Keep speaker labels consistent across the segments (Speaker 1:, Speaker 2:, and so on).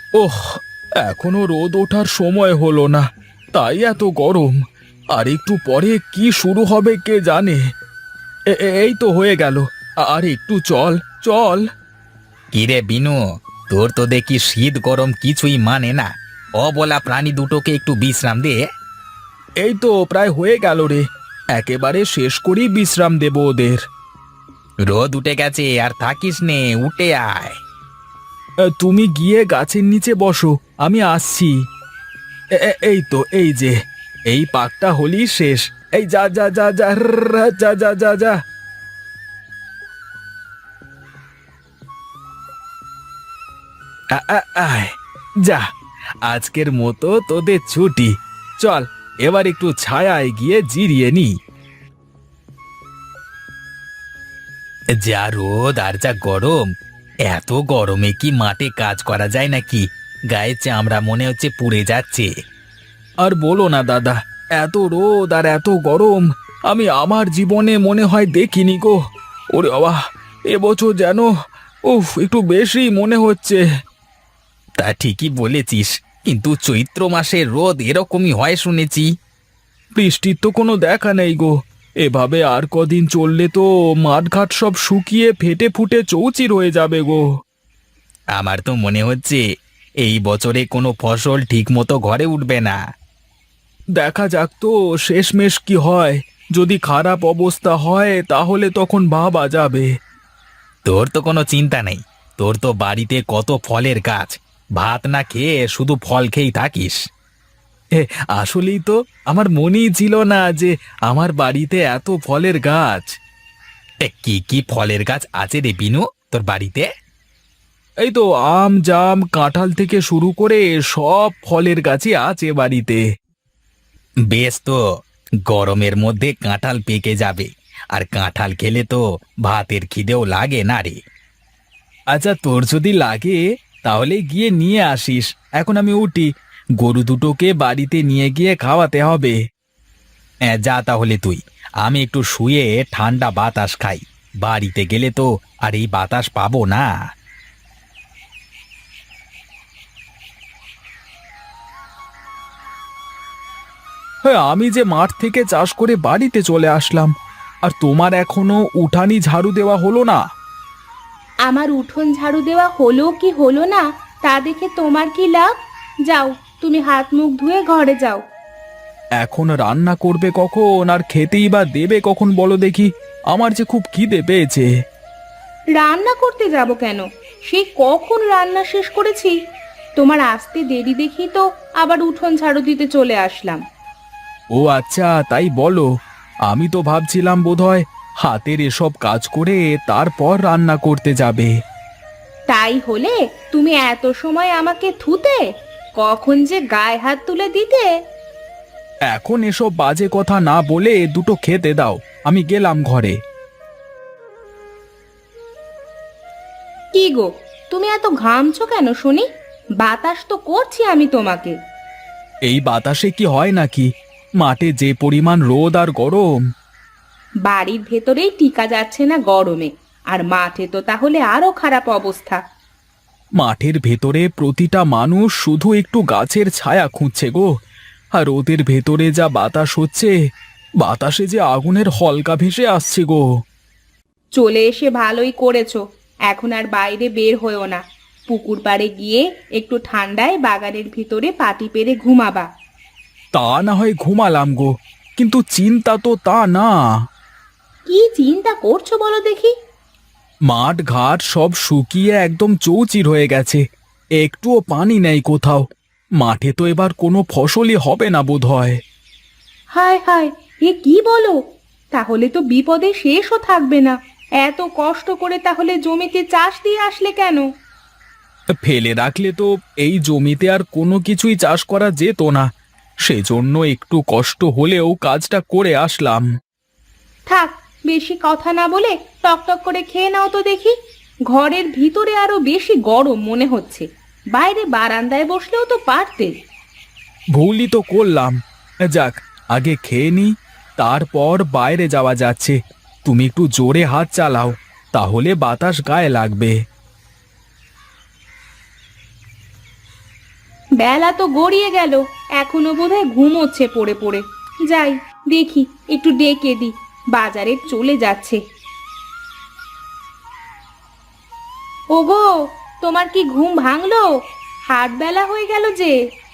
Speaker 1: ওহ, এখনো রোদ ওঠার সময় হলো না, তাই এত গরম। আর একটু পরে কি শুরু হবে কে জানে। এই তো হয়ে গেল। আর একটু চল, চল।
Speaker 2: কিরে বিনু, তোর তো দেখি শীত গরম কিছুই মানে না। অবলা প্রাণী দুটোকে একটু বিশ্রাম দে।
Speaker 1: এই তো প্রায় হয়ে গেল রে, একেবারে শেষ করেই বিশ্রাম দেব ওদের।
Speaker 2: রোদ উঠে গেছে, আর থাকিস নে, উঠে আয়।
Speaker 1: তুমি গিয়ে গাছের নিচে বসো, আমি আসছি। এই তো, এই যে, এই পাকটা হলি শেষ। এই যা যা যা যা যা যা যা যা। আয়, যা, আজকের মতো তোদের ছুটি। চল, এবার একটু ছায়ায় গিয়ে জিরিয়ে নি।
Speaker 2: যা রোদ আর যা গরম, এত গরমে কি মাঠে কাজ করা যায় নাকি? গায়ে চামড়া মনে হচ্ছে পুড়ে যাচ্ছে।
Speaker 1: আর বলো না দাদা, এত রোদ আর এত গরম আমি আমার জীবনে মনে হয় দেখিনি গো। ওরে বাবা, এবছর যেন একটু বেশি মনে হচ্ছে।
Speaker 2: তা ঠিকই বলেছিস, কিন্তু চৈত্র মাসে রোদ এরকমই হয় শুনেছি।
Speaker 1: বৃষ্টির তো কোনো দেখা নেই গো। এভাবে আর কদিন চললে তো মাঠঘাট সব শুকিয়ে ফেটে ফুটে চৌচির হয়ে যাবে গো।
Speaker 2: আমার তো মনে হচ্ছে এই বছরে কোনো ফসল ঠিকমতো ঘরে উঠবে না।
Speaker 1: দেখা যাক তো শেষমেশ কি হয়। যদি খারাপ অবস্থা হয় তাহলে তখন ভাবা যাবে।
Speaker 2: তোর তো কোনো চিন্তা নেই, তোর তো বাড়িতে কত ফলের গাছ। ভাত না খেয়ে শুধু ফল খেয়েই থাকিস।
Speaker 1: এ, আসলেই তো আমার মনেই ছিল না যে আমার বাড়িতে এত ফলের গাছ।
Speaker 2: কি কি ফলের গাছ আছে রে বিনু তোর বাড়িতে?
Speaker 1: এই তো আম জাম কাঁঠাল থেকে শুরু করে সব ফলের গাছই আছে বাড়িতে।
Speaker 2: বেশ তো, গরমের মধ্যে কাঁঠাল পেকে যাবে, আর কাঁঠাল খেলে তো ভাতের খিদেও লাগে না রে।
Speaker 1: আচ্ছা, তোর যদি লাগে তাহলে গিয়ে নিয়ে আসিস। এখন আমি উঠি, গরু দুটোকে বাড়িতে নিয়ে গিয়ে খাওয়াতে হবে।
Speaker 2: হ্যাঁ, যা তাহলে তুই। আমি একটু শুয়ে ঠান্ডা বাতাস খাই। বাড়িতে গেলে তো আর এই বাতাস পাবো না।
Speaker 1: হ্যাঁ, আমি যে মাঠ থেকে চাষ করে বাড়িতে চলে আসলাম, আর তোমার এখনো উঠানি ঝাড়ু দেওয়া হলো না।
Speaker 3: আমার উঠোন ঝাড়ু দেওয়া হলো কি হলো না তা দেখে তোমার কি লাভ? যাও, তুমি হাত মুখ ধুয়ে ঘরে যাও।
Speaker 1: এখন রান্না করবে কখন আর খেতেই বা দেবে কখন বলো দেখি? আমার যে খুব খিদে পেয়েছে।
Speaker 3: রান্না করতে যাব কেন? সে কখন রান্না শেষ করেছি। তোমার আসতে দেরি দেখি তো আবার উঠোন ঝাড়ু দিতে চলে আসলাম।
Speaker 1: ও আচ্ছা, তাই বলো। আমি তো ভাবছিলাম বোধহয় হাতের এসব কাজ করে তারপর রান্না করতে যাবে।
Speaker 3: তাই হলে তুমি এত সময় আমাকে থুতে, কখন যে গায়ে হাত তুলে দিতে।
Speaker 1: এখন এসব বাজে কথা না বলে দুটো খেতে দাও, আমি গেলাম ঘরে।
Speaker 3: কি গো, তুমি এত ঘামছো কেন শুনি? বাতাস তো করছি আমি তোমাকে।
Speaker 1: এই বাতাসে কি হয় নাকি? মাঠে যে পরিমাণ রোদ আর গরম।
Speaker 3: বাড়ির ভেতরেই টিকা যাচ্ছে না গরমে, আর মাঠে তো তাহলে আরো খারাপ অবস্থা।
Speaker 1: মাঠের ভেতরে প্রতিটা মানুষ শুধু একটু গাছের ছায়া খুঁজছে গো। আর ওদের ভেতরে যা বাতাস হচ্ছে, বাতাসে যে আগুনের হলকা ভেসে আসছে গো।
Speaker 3: চলে এসে ভালোই করেছো। এখন আর বাইরে বের হয়েও না। পুকুর পাড়ে গিয়ে একটু ঠান্ডায় বাগানের ভিতরে পাটি পেরে ঘুমাবা।
Speaker 1: তা না হয় ঘুমালাম গো, কিন্তু চিন্তা তো তা না।
Speaker 3: কি চিন্তা করছো বলো দেখি?
Speaker 1: মাঠ ঘাট সব শুকিয়ে একদম চৌচির হয়ে গেছে, একটুও পানি নেই কোথাও। মাঠে তো এবার কোনো ফসলই হবে না বোধহয়।
Speaker 3: হায় হায়, এ কি বলো? তাহলে তো বিপদে শেষও থাকবে না। এত কষ্ট করে তাহলে জমিতে চাষ দিয়ে আসলে কেন?
Speaker 1: ফেলে রাখলে তো এই জমিতে আর কোনো কিছুই চাষ করা যেত না, সেজন্য একটু কষ্ট হলেও কাজটা করে আসলাম।
Speaker 3: থাক, বেশি কথা না বলে টকটক করে খেয়ে নাও তো দেখি। ঘরের ভিতরে আরো বেশি গরম মনে হচ্ছে। বাইরে বারান্দায় বসলেও তো পারতে।
Speaker 1: ভুলই তো করলাম। যাক, আগে খেয়ে নি, তারপর বাইরে যাওয়া যাচ্ছে। তুমি একটু জোরে হাত চালাও, তাহলে বাতাস গায়ে লাগবে।
Speaker 3: বেলা তো গড়িয়ে গেল, এখনো বোধহয় ঘুমোচ্ছে পড়ে পড়ে। যাই দেখি, একটু ডেকে দি, বাজারে চলে যাচ্ছে। ওগো, তোমার কি ঘুম ভাঙলো? হাট বেলা হয়ে গেল যে।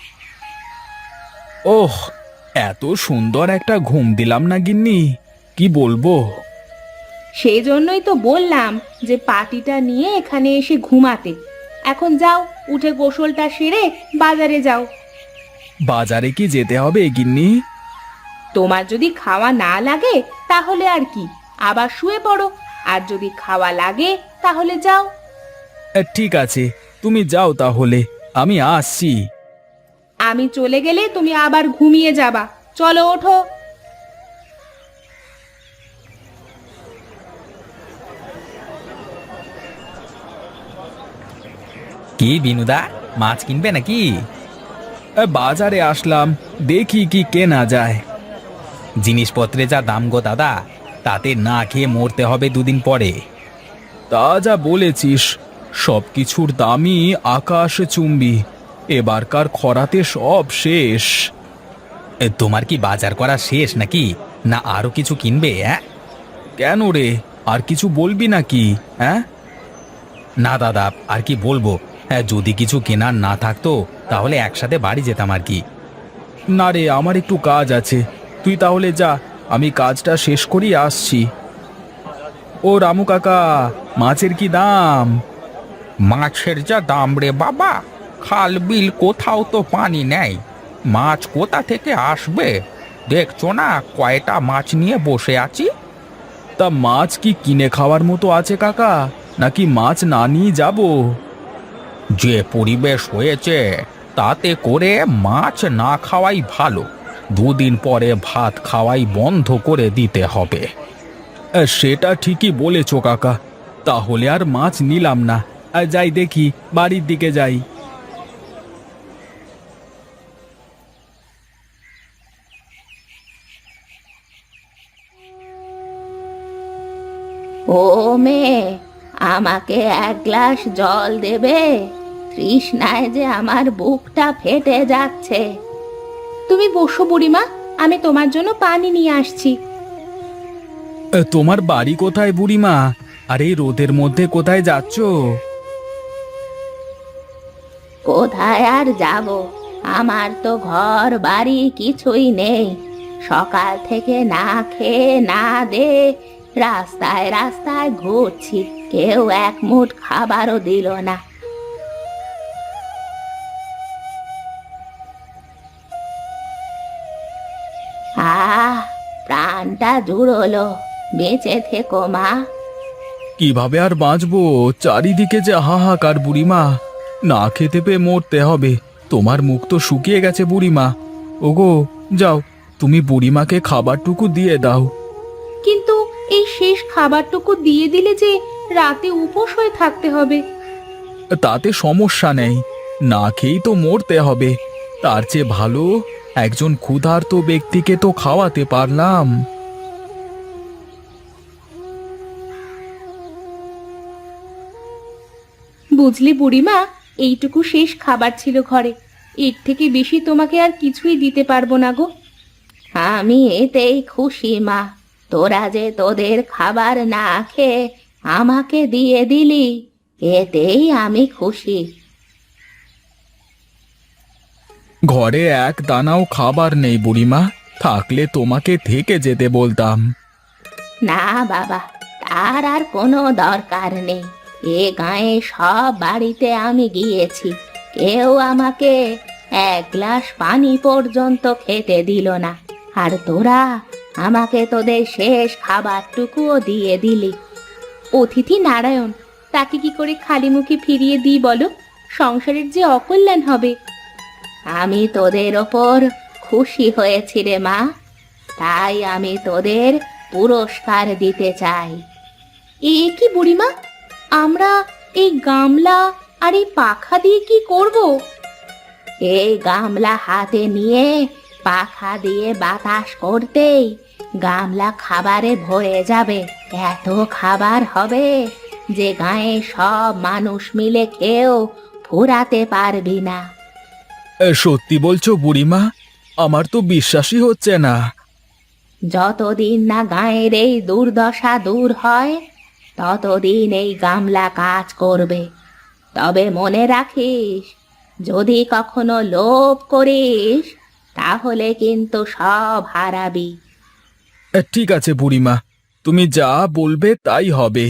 Speaker 1: ওহ, এত সুন্দর একটা ঘুম দিলাম না গিন্নি, কি বলবো।
Speaker 3: সেই জন্যই তো বললাম যে পাটিটা নিয়ে এখানে এসে ঘুমাতে। এখন যাও, উঠে গোসলটা সেরে বাজারে যাও।
Speaker 1: বাজারে কি যেতে হবে গিন্নি?
Speaker 3: তোমার যদি খাওয়া না লাগে তাহলে আর কি, আবার শুয়ে পড়ো। আর যদি খাওয়া লাগে তাহলে যাও।
Speaker 1: ঠিক আছে, তুমি যাও তাহলে, আমি আসছি।
Speaker 3: আমি চলে গেলে তুমি আবার ঘুমিয়ে যাবা। চলো ওঠো।
Speaker 2: কি বিনুদা, মাছ কিনবে নাকি?
Speaker 1: বাজারে আসলাম, দেখি কি কেনা যায়।
Speaker 2: জিনিসপত্রে যা দাম গো দাদা, তাতে না খেয়ে মরতে হবে দুদিন পরে।
Speaker 1: তা যা বলেছিস, সব কিছুর দামই আকাশ চুম্বি। এবারকার খরাতে সব শেষ।
Speaker 2: তোমার কি বাজার করা শেষ নাকি, না আরো কিছু কিনবে?
Speaker 1: কেন রে, আর কিছু বলবি নাকি? হ্যাঁ,
Speaker 2: না দাদা, আর কি বলবো। যদি কিছু কেনার না থাকতো তাহলে একসাথে বাড়ি যেতাম আর কি।
Speaker 1: না রে, আমার একটু কাজ আছে, তুই তাহলে যা, আমি কাজটা শেষ করি আসছি। ও রামু কাকা, মাছের কি দাম?
Speaker 2: মাছের যা দাম রে বাবা, খাল বিল কোথাও তো পানি নেই, মাছ কোথা থেকে আসবে? দেখছো না কয়টা মাছ নিয়ে বসে আছি।
Speaker 1: তা মাছ কি কিনে খাওয়ার মতো আছে কাকা, নাকি মাছ না নিয়ে যাব?
Speaker 2: যে পরিবেশ হয়েছে তাতে করে মাছ না খাওয়াই ভালো। দুদিন পরে ভাত খাওয়াই বন্ধ করে দিতে হবে।
Speaker 1: সেটা ঠিকই বলেছ কাকা, তাহলে আর মাছ নিলাম না। যাই দেখি, বাড়ির দিকে যাই।
Speaker 3: ও মেয়ে, আমাকে এক গ্লাস জল দেবে? তৃষ্ণায় যে আমার বুকটা ফেটে যাচ্ছে। তুমি বসো বুড়িমা, আমি তোমার জন্য পানি নিয়ে আসছি।
Speaker 1: তোমার বাড়ি কোথায় বুড়িমা? আর এই রোদের মধ্যে কোথায় যাচ্ছ?
Speaker 3: কোথায় আর যাব, আমার তো ঘর বাড়ি কিছুই নেই। সকাল থেকে না খেয়ে না দে রাস্তায় রাস্তায় ঘুরছি, কেউ এক মুঠ খাবারও দিল না। আহ, প্রাণটা জুড়োলো, বেঁচে থেকো মা।
Speaker 1: কিভাবে আর বাঁচবো, চারিদিকে যে হাহাকার বুড়িমা, না খেতে পেয়ে মরতে হবে। তোমার মুখ তো শুকিয়ে গেছে বুড়িমা। ওগো, যাও, তুমি বুড়িমাকে খাবারটুকু দিয়ে দাও।
Speaker 3: কিন্তু এই শেষ খাবারটুকু দিয়ে দিলে যে রাতে উপোস হয়ে থাকতে হবে।
Speaker 1: তাতে সমস্যা নেই, না খেয়েই তো মরতে হবে। তার চেয়ে ভালো একজন ক্ষুধার্ত ব্যক্তিকে তো খাওয়াতে পারলাম।
Speaker 3: বুঝলি বুড়িমা, এইটুকু শেষ খাবার ছিল ঘরে, এর থেকে বেশি তোমাকে আর কিছুই দিতে পারবো না গো। আমি এতেই খুশি মা, তোরা যে তোদের খাবার না খেয়ে আমাকে দিয়ে দিলি, এতেই আমি খুশি।
Speaker 1: ঘরে এক দানাও খাবার নেই বুড়িমা, থাকলে তোমাকে থেকে যেতে বলতাম।
Speaker 3: না বাবা, তার আর কোনো দরকার নেই। এ গায়ে সব বাড়িতে আমি গিয়েছি, কেউ আমাকে এক গ্লাস পানি পর্যন্ত খেতে দিল না। আর তোরা আমাকে তোদের শেষ খাবারটুকুও দিয়ে দিলি। অতিথি নারায়ণ, তাকে কি করে খালি মুখে ফিরিয়ে দিই বলো? সংসারের যে অকল্যাণ হবে। আমি তোদের ওপর খুশি হয়েছি রে মা, তাই আমি তোদের পুরস্কার দিতে চাই। এ কি বুড়িমা, আমরা এই গামলা আর এই পাখা দিয়ে কি করব? এই গামলা হাতে নিয়ে পাখা দিয়ে বাতাস করতেই গামলা খাবারে ভরে যাবে। এত খাবার হবে যে গায়ে সব মানুষ মিলে খেয়েও ফুরাতে পারবি না।
Speaker 1: সত্যি বলছো বুড়িমা? আমার তো বিশ্বাসই হচ্ছে না।
Speaker 3: যতদিন না গায়ের এই দুর্দশা দূর হয় ততদিন এই গামলা কাজ করবে। তবে মনে রাখিস, যদি কখনো লোভ করিস তাহলে কিন্তু সব হারাবি।
Speaker 1: ঠিক আছে বুড়িমা, তুমি যা বলবে তাই হবে।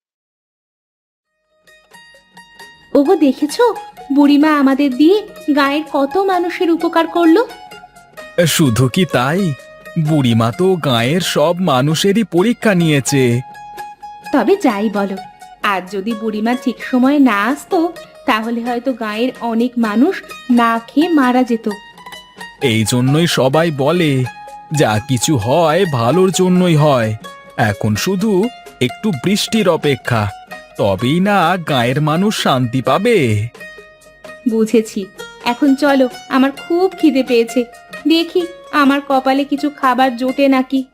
Speaker 3: ওগো, দেখেছো বুড়িমা আমাদের দিয়ে গায়ের কত মানুষের উপকার করলো।
Speaker 1: শুধু কি তাই, বুড়িমা তো গাঁয়ের সব মানুষেরই পরীক্ষা নিয়েছে।
Speaker 3: তবে যাই বলো, আর যদি বুড়িমা ঠিক সময়ে না আসতো তাহলে হয়তো গায়ের অনেক মানুষ না খেয়ে মারা যেত।
Speaker 1: এই জন্যই সবাই বলে, যা কিছু হয় ভালোর জন্যই হয়। এখন শুধু একটু বৃষ্টির অপেক্ষা, তবেই না গাঁয়ের মানুষ শান্তি পাবে।
Speaker 3: বুঝেছি। এখন চলো, আমার খুব খিদে পেয়েছে। দেখি আমার কপালে কিছু খাবার জোটে নাকি।